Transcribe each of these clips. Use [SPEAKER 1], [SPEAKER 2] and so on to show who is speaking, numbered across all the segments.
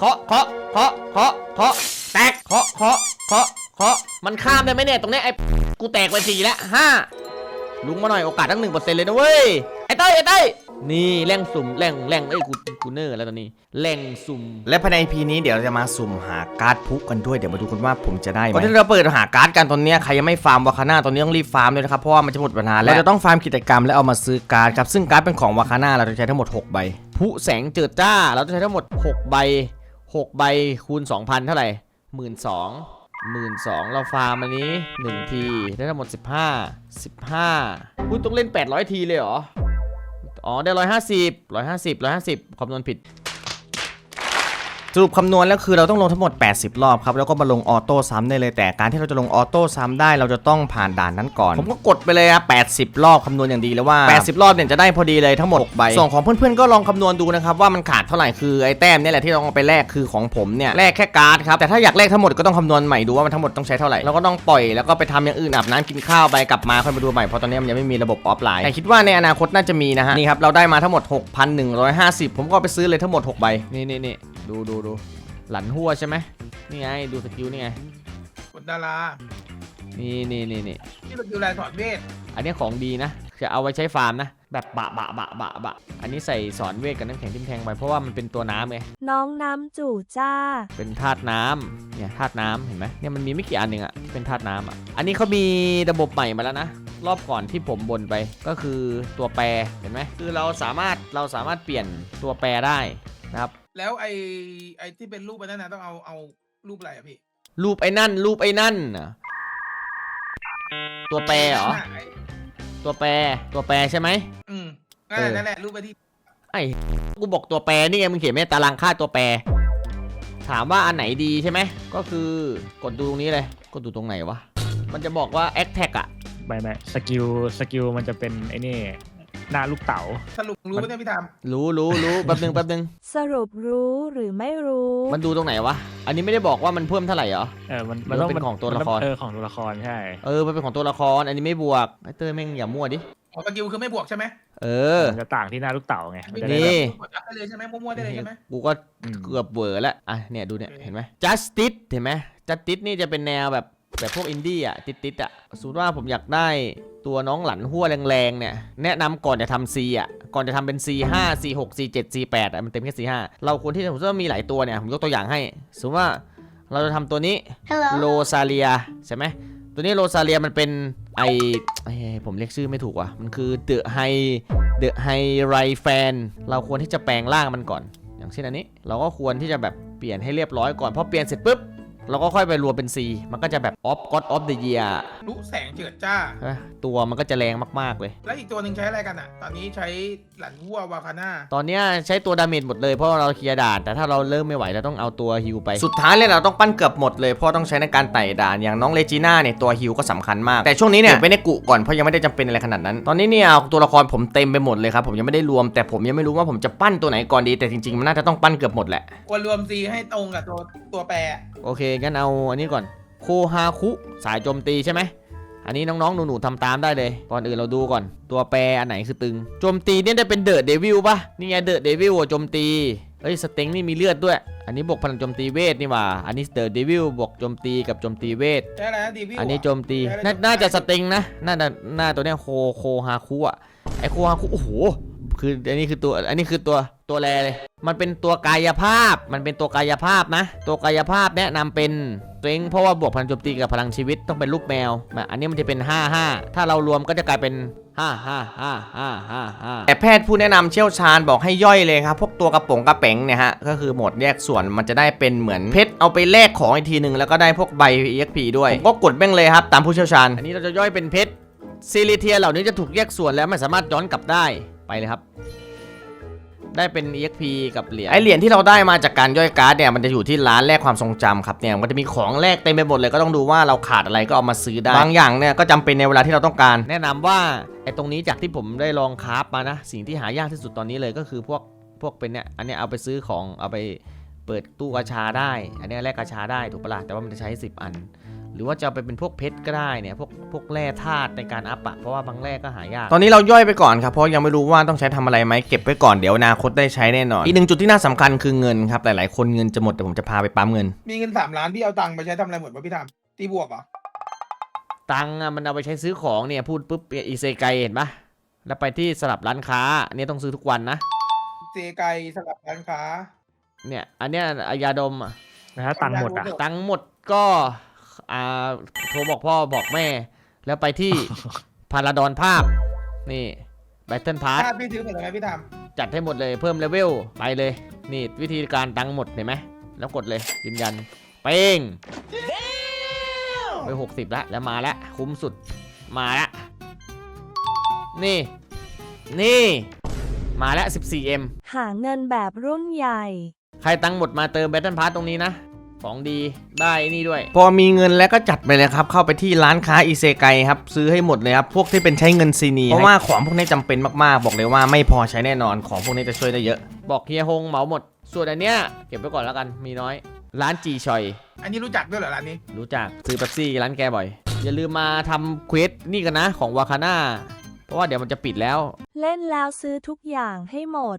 [SPEAKER 1] เคาะแตกเคาะมันข้ามได้ไหมเนี่ยตรงนี้ไอ้กูแตกไป4แล้ว5ลุงมาหน่อยโอกาสตั้ง 1% เลยนะเว้ยไอ้เต้ยนี่แร่งสุ่มแร่งเอ้ยกูเนอร์แล้วตอนนี้แร่งสุ่ม
[SPEAKER 2] และภายใน EP นี้เดี๋ยวเราจะมาสุ่มหาการ์ดพุกันด้วยเดี๋ยวมาดูกันว่าผมจะได้ไหมก่อนที่เราเปิดหาการ์ดกันตอนนี้ใครยังไม่ฟาร์มวาคาน่าตอนนี้ต้องรีบฟาร์มเลยนะครับเพราะว่ามันจะหมดเวลาแล้วเราจะต้องฟาร์มกิจกรรมและเอามาซื้อการ์ดครับซึ่งการ์ดเป็นของวาคาน่าเราจะใช้ทั้งหมด6ใบ
[SPEAKER 1] พุแสงเจิดจ้าเราจะใช้ทั้งหมด6ใบคูณ 2,000 เท่าไหร่ 12,000 เราฟาร์มอันนี้1ทีได้ทั้งหมด15คุณต้องเล่น800ทีเลยเหรออ๋อได้150คำนวณผิด
[SPEAKER 2] สรุปคำนวณแล้วคือเราต้องลงทั้งหมด80รอบครับแล้วก็มาลงออโต้ซ้ำได้เลยแต่การที่เราจะลงออโต้ซ้ำได้เราจะต้องผ่านด่านนั้นก่อนผมก็กดไปเลยครับ80รอบคำนวณอย่างดีแล้วว่า80รอบเนี่ยจะได้พอดีเลยทั้งหมด6ใบส่วนของเพื่อนๆก็ลองคำนวณดูนะครับว่ามันขาดเท่าไหร่คือไอ้แต้มนี่แหละที่เราเอาไปแลกคือของผมเนี่ยแลกแค่การ์ดครับแต่ถ้าอยากแลกทั้งหมดก็ต้องคำนวณใหม่ดูว่ามันทั้งหมดต้องใช้เท่าไหร่แล้วก็ต้องปล่อยแล้วก็ไปทำอย่างอื่นอาบน้ำกินข้าวไปกลับมาค่อยมาดูใหม่เพราะตอนนี้มันยังไม่มีระบบออฟไลน์แต่คิดว่าในอนาคตน่าจะมีนะฮะนี่ครับเราได้มาทั้งหมด 6,150 ผมก็ไปซื้อเลยทั้งหมด6ใบ
[SPEAKER 1] นี่ดูหลันหัวใช่ไหมนี่ไงดูสกิลนี่ไง
[SPEAKER 3] กดดารา
[SPEAKER 1] นี่
[SPEAKER 3] ที่สกิลลายถอดเวท
[SPEAKER 1] อันนี้ของดีนะจะเอาไว้ใช้ฟาร์มนะแบบบะอันนี้ใส่สอนเวทกับน้ำแข็งทิ่มแทงไปเพราะว่ามันเป็นตัวน้ำไง
[SPEAKER 4] น้องน้ำจู่จ้า
[SPEAKER 1] เป็นธาตุน้ำเนี่ยธาตุน้ำเห็นไหมเนี่ยมันมีไม่กี่อันหนึ่งอะที่เป็นธาตุน้ำอะอันนี้เขามีระบบใหม่มาแล้วนะรอบก่อนที่ผมบ่นไปก็คือตัวแปรเห็นไหมคือเราสามารถเปลี่ยนตัวแปรได้นะครับ
[SPEAKER 3] แล้วไอ้ที่เป็นรูปไปนั่นนะต้องเอารูปอะไรอะพี่
[SPEAKER 1] รูปไอ้นั่นตัวแปรเหรอตัวแปรใช่ไหม
[SPEAKER 3] นั่นแหละรูปไปที่
[SPEAKER 1] ไอ้กูบอกตัวแปรนี่ไงมึงเขียนไม่ตารางค่าตัวแปรถามว่าอันไหนดีใช่ไหมก็คือกดดูตรงนี้เลยกดดูตรงไหนวะมันจะบอกว่า Attack อะ
[SPEAKER 5] ไม่สกิลมันจะเป็นไอ้นี่หน้าลูกเต๋า
[SPEAKER 3] สรุปรู้ไหมเนี่ยพี่ทาม
[SPEAKER 1] รู้แป๊บนึง
[SPEAKER 4] สรุปรู้หรือไม่รู้
[SPEAKER 1] มันดูตรงไหนวะอันนี้ไม่ได้บอกว่ามันเพิ่มเท่าไหร่เหรอ
[SPEAKER 5] มันต้อง
[SPEAKER 1] เป็นของตัวละคร
[SPEAKER 5] ของตัวละครใช่
[SPEAKER 1] มันเป็นของตัวละครอันนี้ไม่บวกไอ้เต้ยแม่งอย่ามั่วดิ
[SPEAKER 3] สกิลคือไม่บวกใช่ไหม
[SPEAKER 5] มันจะต่างที่หน้าลูกเต๋าไง
[SPEAKER 1] นี่
[SPEAKER 3] กดอัพได้เลยใช่ไหมมั่วได้เลยใช่ไหม
[SPEAKER 1] กูก็เกือบเวอร์แล้วอ่ะเนี่ยดูเนี่ยเห็นไหม Justice เห็นไหม Justice นี่จะเป็นแนวแบบพวกอินดี้อ่ะติดอ่ะสมมติว่าผมอยากได้ตัวน้องหลันหัวแรงๆเนี่ยแนะนำก่อนจะทำ C อ่ะก่อนจะทำเป็น C5 C6 C7 C8 อ่ะมันเต็มแค่ C5 เราควรที่จะสมมติว่ามีหลายตัวเนี่ยผมยกตัวอย่างให้สมมติว่าเราจะทำตัวนี้โรซาเลียใช่ไหมตัวนี้โรซาเลียมันเป็นผมเรียกชื่อไม่ถูกว่ะมันคือเดอะไฮไรแฟนเราควรที่จะแปลงร่างมันก่อนอย่างเช่นอันนี้เราก็ควรที่จะแบบเปลี่ยนให้เรียบร้อยก่อนพอเปลี่ยนเสร็จปุ๊บเราก็ค่อยไปรวมเป็น C มันก็จะแบบGod of the Year
[SPEAKER 3] รู้แสงเจิดจ้า
[SPEAKER 1] ตัวมันก็จะแรงมากๆเลย
[SPEAKER 3] แล้วอีกตัวหนึ่งใช้อะไรกันอ่ะตอนนี้ใช้หลันวัววาคาน่า
[SPEAKER 1] ตอนนี้ใช้ตัวดาเมจหมดเลยเพราะเราเคลียร์ด่านแต่ถ้าเราเริ่มไม่ไหวเราต้องเอาตัวฮิลไป
[SPEAKER 2] สุดท้ายเลยเราต้องปั้นเกือบหมดเลยเพราะต้องใช้ในการไต่ด่านอย่างน้องเลจิน่าเนี่ยตัวฮิลก็สำคัญมากแต่ช่วงนี้เนี่ยไม่ได้กุก่อนเพราะยังไม่ได้จำเป็นอะไรขนาดนั้นตอนนี้เนี่ยตัวละครผมเต็มไปหมดเลยครับผมยังไม่ได้รวมแต่ผมยังไม่รู้ว่าผมจะปั้นตัวไหนก่อนดีแต่จริงๆมันน่าจะต้องปั้นเกือบหมดแหละ
[SPEAKER 3] ควรรวม C ให้ตรงกับตัวแปร
[SPEAKER 1] โอเคงั้นเอาอันนี้ก่อนโคฮาคุสายโจมตีใช่ไหมอันนี้น้องๆหนูๆทำตามได้เลยก่อนอื่นเราดูก่อนตัวแปรอันไหนคือตึงโจมตีเนี่ยได้เป็นเดอะเดวิลป่ะนี่ไงเดอะเดวิลโจมตีสเต็งนี่มีเลือดด้วยอันนี้บวกพลังโจมตีเวทนี่ว่าอันนี้เดอะเดวิลบวกโจมตีกับโจมตีเวท
[SPEAKER 3] ใช่แล้วเดวิล
[SPEAKER 1] อันนี้โจมตีน่าจะสเต็งนะน่าตัวเนี้ยโคฮาคุอ่ะไอโคฮาคุโอ้โหคืออันนี้คือตัวแรเลยมันเป็นตัวกายภาพนะตัวกายภาพแนะนำเป็นตัวเองเพราะว่าบวกพลังโจมตีกับพลังชีวิตต้องเป็นรูปแมวอันนี้มันจะเป็น55ถ้าเรารวมก็จะกลายเป็น5
[SPEAKER 2] แต่แพทย์ผู้แนะนำเชี่ยวชาญบอกให้ย่อยเลยครับพวกตัวกระป๋องเนี่ยฮะก็คือโหมดแยกส่วนมันจะได้เป็นเหมือนเพชรเอาไปแลกของอีกทีนึงแล้วก็ได้พวกใบ EXP ด้วยผมก็กดแม่งเลยครับตามผู้เชี่ยวชาญ
[SPEAKER 1] อันนี้เราจะย่อยเป็นเพชรซิลิเทียเหล่านี้จะถูกแยกส่วนแล้วไม่สามารถย้อนกลับได้ไปเลยครับได้เป็น EXP กับเหรียญ
[SPEAKER 2] เหรียญที่เราได้มาจากการย่อยการ์ดเนี่ยมันจะอยู่ที่ร้านแลกความทรงจำครับเนี่ยมันจะมีของแลกเต็มไปหมดเลยก็ต้องดูว่าเราขาดอะไรก็เอามาซื้อได้บางอย่างเนี่ยก็จำเป็นในเวลาที่เราต้องการ
[SPEAKER 1] แนะนำว่าไอ้ตรงนี้จากที่ผมได้ลองคราฟมานะสิ่งที่หายากที่สุดตอนนี้เลยก็คือพวกเป็นเนี่ยอันนี้เอาไปซื้อของเอาไปเปิดตู้กาชาได้อันนี้แลกกาชาได้ถูกปะล่ะแต่ว่ามันจะใช้10อันหรือว่าจะเอาไปเป็นพวกเพชรก็ได้เนี่ยพวกแร่ธาตุในการอัพอะเพราะว่าบางแร่ก็หายาก
[SPEAKER 2] ตอนนี้เราย่อยไปก่อนครับเพราะยังไม่รู้ว่าต้องใช้ทำอะไรไหมเก็บไว้ก่อนเดี๋ยวอนาคตได้ใช้แน่นอนอีกหนึ่งจุดที่น่าสำคัญคือเงินครับหลายๆคนเงินจะหมดแต่ผมจะพาไปปั๊มเงิน
[SPEAKER 3] มีเงิน3 ล้านพี่เอาตังค์ไปใช้ทำอะไรหมดวะพี่ทำตีบวกเหรอ
[SPEAKER 1] ตังค์อะมันเอาไปใช้ซื้อของเนี่ยพูดปุ๊บอีเซไกเห็นปะแล้วไปที่สลับร้านค้าอันนี้ต้องซื้อทุกวันนะ
[SPEAKER 3] เจไกสลับร้านค้า
[SPEAKER 1] เนี่ยอันเนี้ยยาดมอะ
[SPEAKER 5] แล้วถ้าตังค์หมดอ่ะ
[SPEAKER 1] ตังค์หมดก็โทรบอกพ่อบอกแม่ แล้วไปที่ พาราดอนภาพนี่แบทเทิลพาร์ท
[SPEAKER 3] ถ้าพี่ซื้อหมดเลยไหมพี่ท
[SPEAKER 1] จัดให้หมดเลยเพิ่มเลเวลไปเลยนี่วิธีการตังค์หมดเห็นไหมแล้วกดเลยยืนยันเป้งไป60แล้วมาแล้วคุ้มสุดมาแล้วนี่มาแล้ว 14M
[SPEAKER 4] หาเงินแบบรุ่นใหญ่
[SPEAKER 1] ใครตังค์หมดมาเติมแบทเทิลพาร์ทตรงนี้นะของดีได้นี่ด้วย
[SPEAKER 2] พอมีเงินแล้วก็จัดไปเลยครับเข้าไปที่ร้านค้าอิเซไกครับซื้อให้หมดเลยครับพวกที่เป็นใช้เงินซีนีเพราะว่าของพวกนี้จำเป็นมากๆบอกเลยว่าไม่พอใช้แน่นอนของพวกนี้จะช่วยได้เยอะ
[SPEAKER 1] บอกเฮียฮงเหมาหมดส่วนอันเนี้ยเก็บไว้ก่อนแล้วกันมีน้อยร้านจีชอย
[SPEAKER 3] ำอันนี้รู้จักด้วยเหรอร้านนี้
[SPEAKER 1] รู้จักซื้อเป๊ปซี่ร้านแกบ่อย อย่าลืมมาทำเควสนี่กันนะของวาคาน่าเพราะว่าเดี๋ยวมันจะปิดแล้ว
[SPEAKER 4] เล่นแล้วซื้อทุกอย่างให้หมด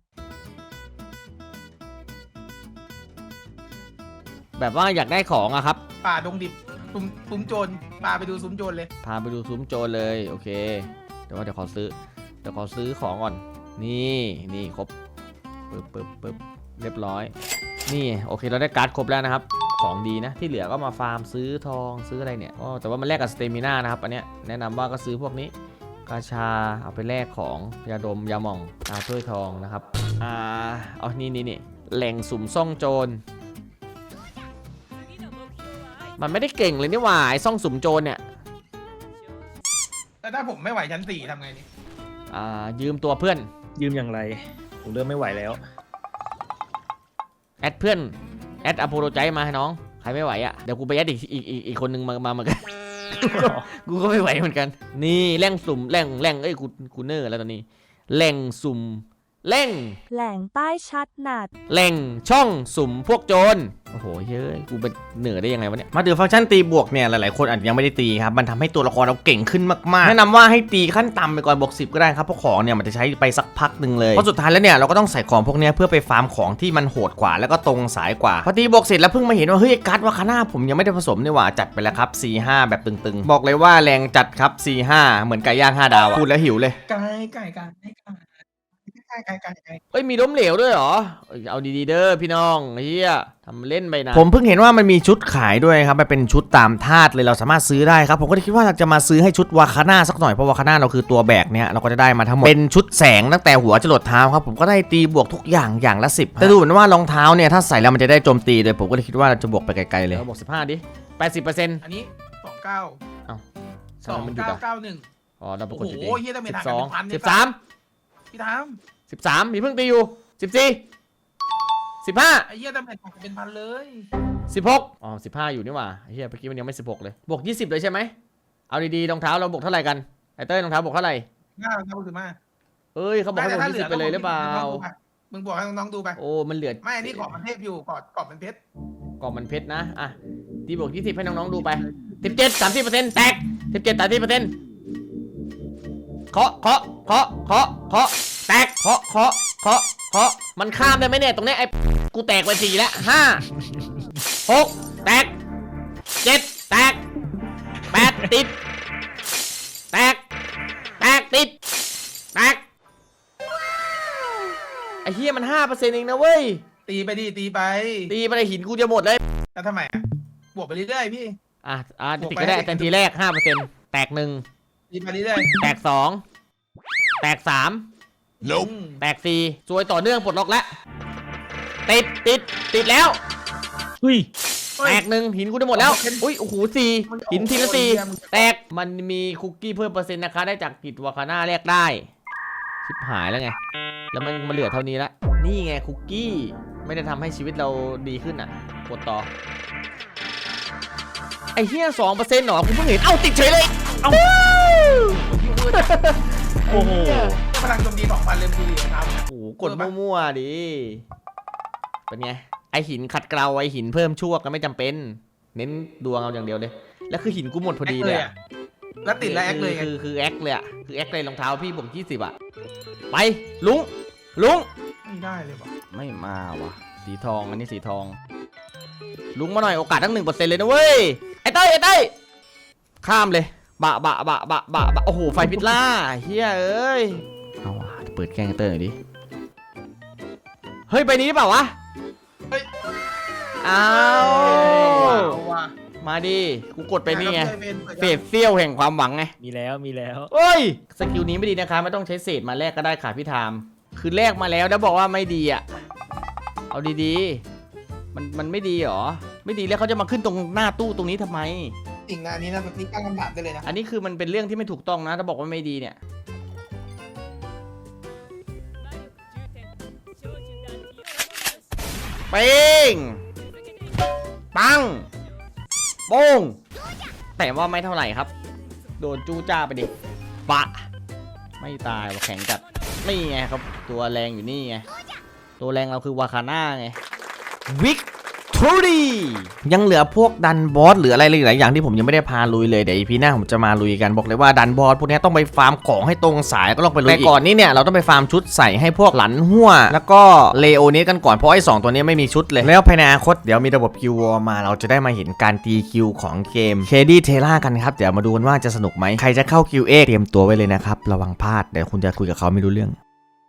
[SPEAKER 1] แบบว่าอยากได้ของอะครับ
[SPEAKER 3] ป่าดงดิบซุ้มโจรป่าไปดูซุ้มโจรเลย
[SPEAKER 1] พาไปดูซุ้มโจรเลยโอเคเดี๋ยวขอซื้อของก่อนนี่ครบปึ๊บเรียบร้อยนี่โอเคเราได้การ์ดครบแล้วนะครับของดีนะที่เหลือก็มาฟาร์มซื้อทองซื้ออะไรเนี่ยแต่ว่ามันแลกกับสเตมิน่านะครับอันเนี้ยแนะนำว่าก็ซื้อพวกนี้กาชาเอาไปแลกของยาดมยาหม่องตาถ้วยทองนะครับเอานี่แหล่งสุ่มซ่องโจรมันไม่ได้เก่งเลยนี่หว่าไอ้ซ่องสุ่มโจรเนี่ย
[SPEAKER 3] แล้วถ้าผมไม่ไหวชั้น4ทำไงนี่
[SPEAKER 1] ยืมตัวเพื่อน
[SPEAKER 5] ยืมอย่างไรผมเริ่มไม่ไหวแล้ว
[SPEAKER 1] แอดเพื่อนแอดอโปโลใจมาให้น้องใครไม่ไหวอ่ะเดี๋ยวกูไปแอดอีกคนนึงมาเหมือนกัน กูก็ไม่ไหวเหมือนกันนี่แหล่งสุ่มแหล่งเอ้ยกูเนอร์แล้วตอนนี้แหล่งสุ่มแหล่ง
[SPEAKER 4] แหล่งใต้ชัดหนัด
[SPEAKER 1] แหล่งช่องสุ่มพวกโจรโอ้โหเฮ้ยกูเป็นเหนือได้ยังไงวะเนี่ย
[SPEAKER 2] มาถึงฟังก์ชันตีบวกเนี่ยหลายๆคนอาจจะยังไม่ได้ตีครับมันทำให้ตัวละครเราเก่งขึ้นมากๆแนะนำว่าให้ตีขั้นต่ำไปก่อนบวก10ก็ได้ครับเพราะของเนี่ยมันจะใช้ไปสักพักหนึ่งเลยเพราะสุดท้ายแล้วเนี่ยเราก็ต้องใส่ของพวกนี้เพื่อไปฟาร์มของที่มันโหดกว่าแล้วก็ตรงสายกว่าพอตีบวกเสร็จแล้วเพิ่งมาเห็นว่าเฮ้ยการ์ดวาคาน่าผมยังไม่ได้ผสมนี่หว่าจัดไปแล้วครับ 4-5 แบบตึงๆบอกเลยว่าแรงจัดครับ 4-5 เหมือนไก่ย่าง5 ดาวอะพูดแล้วหิวเลย
[SPEAKER 3] ไก่
[SPEAKER 1] เอ้ยมีล้มเหลวด้วยเหรอเอาดีๆเด้อพี่น้องเฮียทำเล่นไปนะ
[SPEAKER 2] ผมเพิ่งเห็นว่ามันมีชุดขายด้วยครับมันเป็นชุดตามธาตุเลยเราสามารถซื้อได้ครับผมก็คิดว่าเราจะมาซื้อให้ชุดวาคาน่าสักหน่อยเพราะวาคาน่าเราคือตัวแบกเนี่ยเราก็จะได้มาทั้งหมดเป็นชุดแสงตั้งแต่หัวจรดเท้าครับผมก็ได้ตีบวกทุกอย่างละ10แต่ดูเหมือนว่ารองเท้าเนี่ยถ้าใส่แล้วมันจะได้โจมตีเลยผมก็เลยคิดว่าเราจะบวกไปไกลๆเลย
[SPEAKER 1] เราบอก15ดิ80%
[SPEAKER 3] อันนี้29
[SPEAKER 1] ทำไมมันหยุดอ่ะ
[SPEAKER 3] 2991
[SPEAKER 1] อ๋อเราป
[SPEAKER 3] โอ้
[SPEAKER 1] กดอยู่ดิ
[SPEAKER 3] โหเฮียต้องเป็นทางกันเป็นพัน
[SPEAKER 1] 13
[SPEAKER 3] พี่ทาม
[SPEAKER 1] 13มีเพิ่งตีอยู่14 15
[SPEAKER 3] ไอ้เฮียต้องเป็นทางกันเป็นพันเลย
[SPEAKER 1] 16อ๋อ15อยู่นี่หว่าเฮียเมื่อกี้มันยังไม่16เลยบวก20เลยใช่ไหมเอาดีๆรองเท้าเราบวกเท่าไหร่กันไอเต้ยรองเท้าบวกเท่าไหร่
[SPEAKER 3] 5คือมา
[SPEAKER 1] เอ้ยเขาบอกให้บวก20ไปเลยหรือเปล่า
[SPEAKER 3] มึงบอกให้น้องๆดูไป
[SPEAKER 1] โอ้มันเหลือ
[SPEAKER 3] ไม่อันนี้กรอบมันเทพอยู่กรอบมันเพชร
[SPEAKER 1] กล่องมันเพชรนะอ่ะตีบวก20ให้น้องๆดูไป17 30%แตก17 30%เคาะแตกเคาะมันข้ามได้ไหมเนี่ยตรงนี้ไอ้กูแตกไป4แล้ว5 6แตก7แตก8ติดแตกติดแตกไอ้เฮียมัน 5% เองนะเว้ย
[SPEAKER 3] ตีไปดิตีไป
[SPEAKER 1] ตีไปเลยหินกูจะหมดเลย
[SPEAKER 3] แล้วทำไมอ่ะบวกไปเรื่อยๆพี่
[SPEAKER 1] ติดก็ได้แต่ทีแรก 5% แตก1
[SPEAKER 3] ตีไปเรื่อย
[SPEAKER 1] แตก2แตก3
[SPEAKER 3] ๆ
[SPEAKER 1] แตก4ซวยต่อเนื่องปลดล็อกแล้วติดแล้ว
[SPEAKER 5] อุ้ย
[SPEAKER 1] แตก1หินกูจะหมดแล้วอุ้ยโอ้โห4หินทีละ4แตกมันมีคุกกี้เพิ่มเปอร์เซ็นต์นะคะได้จากกิจวาคาน่าแรกได้ชิบหายแล้วไงแล้วมันเหลือเท่านี้ละนี่ไงคุกกี้ไม่ได้ทำให้ชีวิตเราดีขึ้นอ่ะกดต่อไอ้เหี้ย 2% หรอคุณเพิ่งเห็นเอ้าติดเฉยเลยเอ้า
[SPEAKER 5] โอ้โห
[SPEAKER 3] พลังโจมตี2,000เลยดูดิครับ
[SPEAKER 1] โอ้โหกดมั่วๆดิเป็นไงไอหินขัดเกลาไอหินเพิ่มชั่วก็ไม่จำเป็นเน้นดวงเอาอย่างเดียวเลยแล้วคือหินกูหมดพอดี
[SPEAKER 3] แอค
[SPEAKER 1] เล
[SPEAKER 3] เลย ย
[SPEAKER 1] อะ
[SPEAKER 3] อะแล้วติดแล้วแอคเลยไง
[SPEAKER 1] คือแอคเลยอะคือแอคเลยรองเท้าพี่ผม20อะไปลุงลุง
[SPEAKER 3] ไม่ได้เลยว่ะ
[SPEAKER 1] ไม่มาวะสีทองอันนี้สีทองลุงมาหน่อยโอกาสตั้ง 1% เลยนะเว้ยไอ้เต้ยข้ามเลยบะโอ้โหไฟพิษล่าเฮียเอ้ยเอาว่ะเปิดแกล้งไอ้เต้ยหน่อยดิเฮ้ยใบนี้หรือเปล่าวะ
[SPEAKER 3] เฮ้ย
[SPEAKER 1] อ้าว
[SPEAKER 3] เอาว่ะ
[SPEAKER 1] มาดิกูกดไปนี่ไง
[SPEAKER 3] เปิด
[SPEAKER 1] เศษเสี้ยวแห่งความหวังไง
[SPEAKER 5] มีแล้วมีแล้ว
[SPEAKER 1] เอ้ยสกิลนี้ไม่ดีนะคะไม่ต้องใช้เศษมาแลกก็ได้ค่ะพี่ไทม์คือแลกมาแล้วแล้วบอกว่าไม่ดีอ่ะเอาดีๆมันไม่ดีเหรอไม่ดีแล้วเขาจะมาขึ้นตรงหน้าตู้ตรงนี้ทำไม
[SPEAKER 3] สิ่งงานนี้นะแบบนี้ตั้งคำถามได้เลยนะ
[SPEAKER 1] อันนี้คือมันเป็นเรื่องที่ไม่ถูกต้องนะถ้าบอกว่าไม่ดีเนี่ยเป้งปังโป้งแต่ว่าไม่เท่าไหร่ครับโดนจู้จ้าไปดิปะไม่ตายว่าแข็งจัดนี่ไงครับตัวแรงอยู่นี่ไงตัวแรงเราคือวาคาน่าไงวิกทอรี่ยังเหลือพวกดันบอสหรืออะไรหลายอย่างที่ผมยังไม่ได้พาลุยเลยเดี๋ยว EP หน้าผมจะมาลุยกันบอกเลยว่าดันบอสพวกนี้ต้องไปฟาร์มของให้ตรงสายก็ลองไปลุยแต่ก่อนนี้เนี่ยเราต้องไปฟาร์มชุดใส่ให้พวกหลันหัวแล้วก็เลโอเนสกันก่อนเพราะไอ้2ตัวนี้ไม่มีชุดเลยแล้วภายในอนาคตเดี๋ยวมีระบบคิววอลมาเราจะได้มาเห็นการตีคิวของเกมเคดี้เทล่ากันครับเดี๋ยวมาดูกันว่าจะสนุกไหมใครจะเข้าคิวเอเตรียมตัวไว้เลยนะครับระวังพลาดเดี๋ยวคุณจะคุยกับเขาไม่รู้เรื่อง